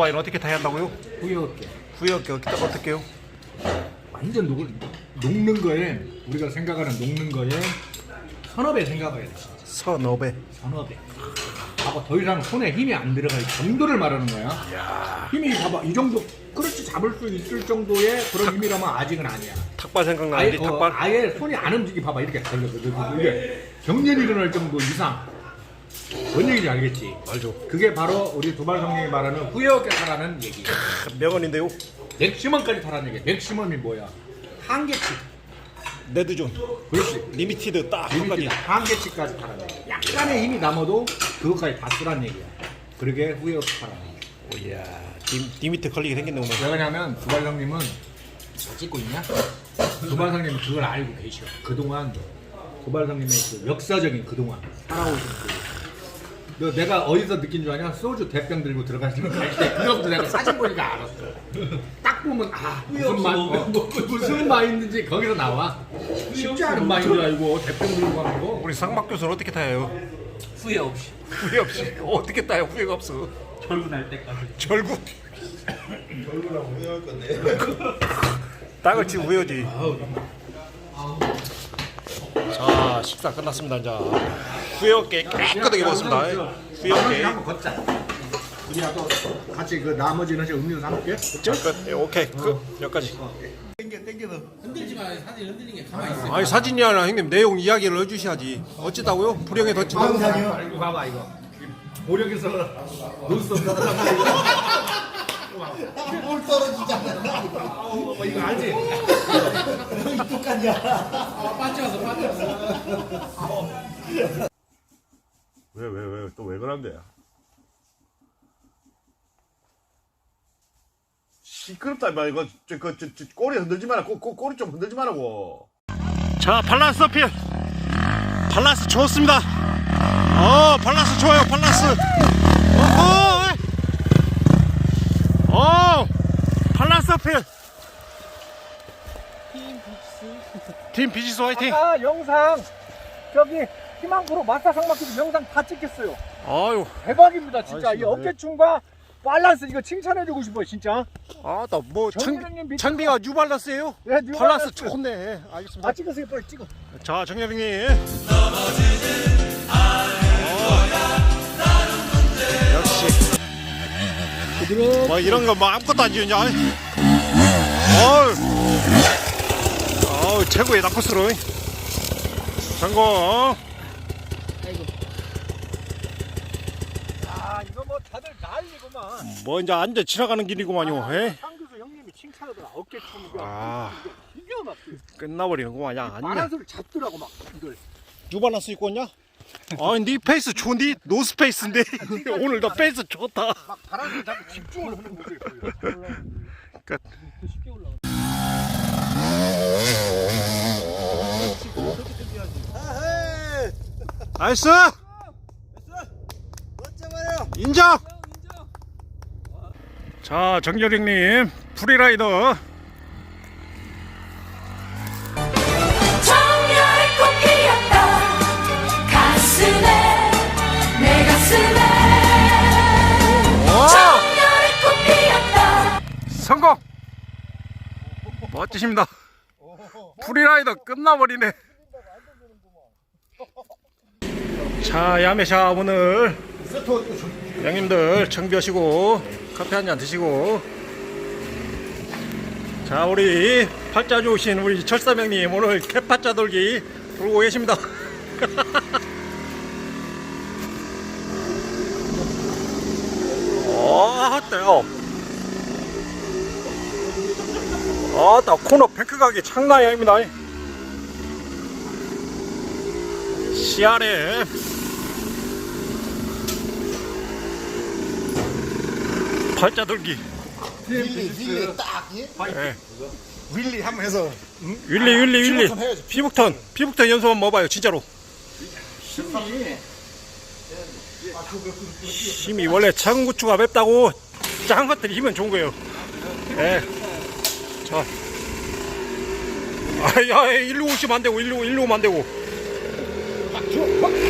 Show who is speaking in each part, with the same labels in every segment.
Speaker 1: 와인 어떻게 타야 한다고요?
Speaker 2: 후회없게.
Speaker 1: 후회할게 어떻게요?
Speaker 2: 완전 녹는 거에 우리가 생각하는 녹는 거에 서너 배 생각해야 돼.
Speaker 1: 서너 배.
Speaker 2: 서너 배. 봐봐, 더 이상 손에 힘이 안 들어갈 정도를 말하는 거야.
Speaker 1: 이야.
Speaker 2: 힘이 봐봐, 이 정도 그렇지 잡을 수 있을 정도의 그런 힘이라면 아직은 아니야.
Speaker 1: 탁발 생각나는데 탁발.
Speaker 2: 아예 손이 안 움직이. 봐봐, 이렇게 이게 경련이 일어날 정도 이상. 뭔 얘기인지 알겠지?
Speaker 1: 알죠.
Speaker 2: 그게 바로 우리 두발 성령이 말하는 후회 없게 타라는 얘기.
Speaker 1: 명언인데요.
Speaker 2: 맥시멈까지 타라는 얘기. 맥시멈이 뭐야? 한계치.
Speaker 1: 레드존.
Speaker 2: 그렇지.
Speaker 1: 리미티드 딱 한 가지.
Speaker 2: 한계치까지 타라는 얘기. 약간의 힘이 남아도 그것까지 다 쓰라는 얘기야. 그러게 후회 없게 타라는 얘기.
Speaker 1: 오야. 리미트 걸리게 생겼네 오늘.
Speaker 2: 왜 그러냐면 두발 성님은 잘 찍고 있냐? 두발 성님은 그걸 알고 계셔. 그동안 두발 성님의 그 역사적인 그동안 살아오신 너 내가 어디서 느낀 줄 아냐? 소주 대병 들고 들어가시는 거 갈 때 그거부터 내가 사진 보니까 알았어. 딱 보면 무슨 마인드인지 거기서 나와. 쉽지 않은 마인드 알고 대병 들고 가는 거.
Speaker 1: 우리 상박 교수는 어떻게 타요?
Speaker 3: 후회 없이
Speaker 1: 후회 없이. 어떻게 타요? 후회가 없어.
Speaker 3: 결혼할 때까지.
Speaker 1: 결국.
Speaker 4: 결국은 후회할 건데.
Speaker 1: 땅을 치고 후회하지. 자 식사 끝났습니다. 이제 후회 없게 깨끗하게 먹었습니다. 후회 없게.
Speaker 2: 한번 걷자. 우리하고 같이 그 나머지는 이제 음료수 한 개.
Speaker 1: 자, 끝. 오케이. 여기까지.
Speaker 4: 땡겨서.
Speaker 3: 흔들지 마. 사진 흔들리는 게 가만히 있어.
Speaker 1: 아니 사진이 아니라 형님 내용 이야기를 해주셔야지. 어찌다고요? 불행에 덧친다.
Speaker 2: 이거 봐봐 이거. 보력에서 논스톱 가다가
Speaker 4: 물 떨어지잖아.
Speaker 2: 이거 알지?
Speaker 4: 똑같냐?
Speaker 3: 빠져서.
Speaker 4: 왜 또 왜 그런데? 시끄럽다 마 이거 저 꼬리 흔들지 마라. 꼬리 좀 흔들지 말라고.
Speaker 1: 자 밸런스 어필. 밸런스 좋습니다. 밸런스 좋아요. 밸런스. 밸런스 어필. 팀 비지스 화이팅.
Speaker 2: 아까 영상 저기 희망프로 마사 상막기도 영상 다 찍겠어요.
Speaker 1: 아유.
Speaker 2: 대박입니다 진짜.
Speaker 1: 아이씨,
Speaker 2: 이 어깨춤과 밸런스 이거 칭찬해주고 싶어요 진짜.
Speaker 1: 아나뭐
Speaker 2: 정혜령님 밑에
Speaker 1: 찬비가 뉴발란스예요?
Speaker 2: 네,
Speaker 1: 밸런스
Speaker 2: 뉴발란스.
Speaker 1: 좋네. 알겠습니다.
Speaker 2: 다 찍으세요 빨리 찍어.
Speaker 1: 자 정혜령님. 역시. 뭐 이런 거 뭐 아무것도 안 지우냐? 최고의 낙코스로 성공.
Speaker 2: 아 이거 뭐 다들 난리구만.
Speaker 1: 뭐 이제 앉아 지나가는 길이구만요. 에?
Speaker 2: 상교수 형님이 칭찬하더라 어깨춤.
Speaker 1: 아
Speaker 2: 이겨 막
Speaker 1: 끝나버리는구만. 야 아니야.
Speaker 2: 바란스를 잡더라고 막 이걸.
Speaker 1: 뉴발란스 입고 왔냐? 아니 네 페이스 좋니? 노스페이스인데 오늘 너 페이스 좋다.
Speaker 2: 막 바란스를 잡고 집중을 하는 모습이 보여.
Speaker 1: 끝.
Speaker 2: 쉽게 올라가.
Speaker 1: 나이스. 인정. 자 정여령님 프리라이더.
Speaker 5: 정열의 꽃 피었다 가슴에 내 가슴에 정열의 꽃 피었다.
Speaker 1: 성공. 멋지십니다. 프리라이더 끝나버리네. 자 야매샤 오늘 형님들 청비하시고 커피 한잔 드시고. 자 우리 팔자 좋으신 우리 철사명님 오늘 개팔자 돌기 돌고 계십니다. 어때요? 나 코너 뱅크 가기 장난이 아닙니다. CRF 팔자 돌기.
Speaker 4: 윌리 딱.
Speaker 1: 예.
Speaker 4: 윌리 한번 해서.
Speaker 1: 윌리
Speaker 4: 피부톤 해야지.
Speaker 1: 피부톤 연습 한번 먹어봐요 진짜로. 힘이 원래 작은 고추가 맵다고 작은 것들이 힘은 좋은 거예요. 예. 자. 야, 일로 오시면 안 되고, 일로 오면 안 되고.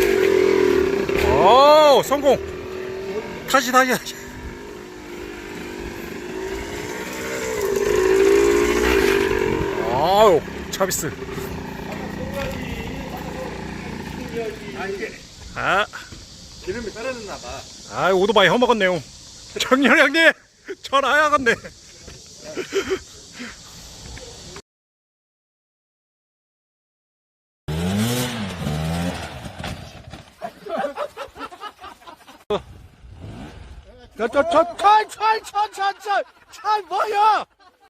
Speaker 1: 성공. 다시. 아우 차비스. 아
Speaker 2: 기름이 떨어졌나 봐.
Speaker 1: 아 오토바이 허먹었네요. 정렬 형님 전화야겠네.
Speaker 4: 차 뭐야?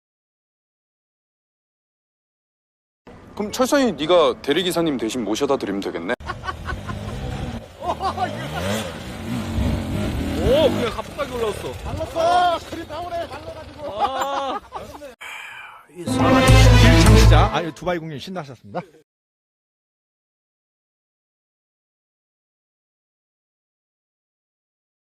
Speaker 6: 그럼 철선이 네가 대리기사님 대신 모셔다 드리면 되겠네.
Speaker 2: 오, 그냥 가뿐하게 올라왔어.
Speaker 4: 발랐어. 그리 나오네. 발라가지고.
Speaker 2: 아. 1창자, 두바이 공연 신나셨습니다.